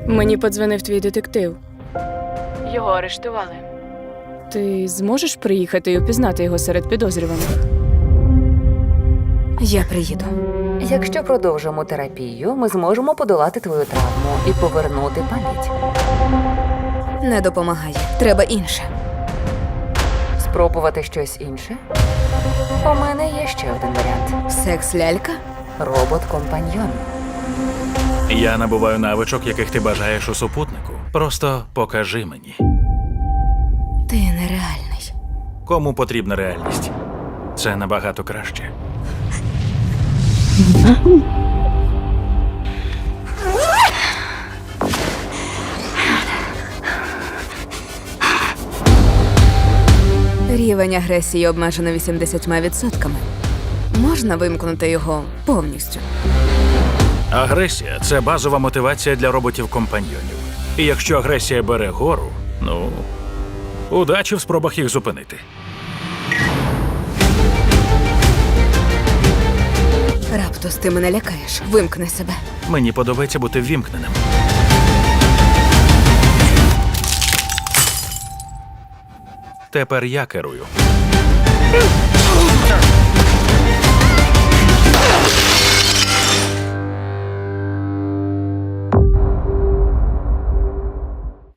Мені подзвонив твій детектив. Його арештували. Ти зможеш приїхати і упізнати його серед підозрюваних? Я приїду. Якщо продовжимо терапію, ми зможемо подолати твою травму і повернути пам'ять. Не допомагає. Треба інше. Спробувати щось інше? У мене є ще один варіант. Секс-лялька? Робот-компаньйон. Я набуваю навичок, яких ти бажаєш у супутнику. Просто покажи мені. Ти нереальний. Кому потрібна реальність? Це набагато краще. Рівень агресії обмежено 80%. Можна вимкнути його повністю. Агресія – це базова мотивація для роботів-компаньйонів. І якщо агресія бере гору, ну, удачі в спробах їх зупинити. Раптус, ти мене лякаєш. Вимкни себе. Мені подобається бути ввімкненим. Тепер я керую.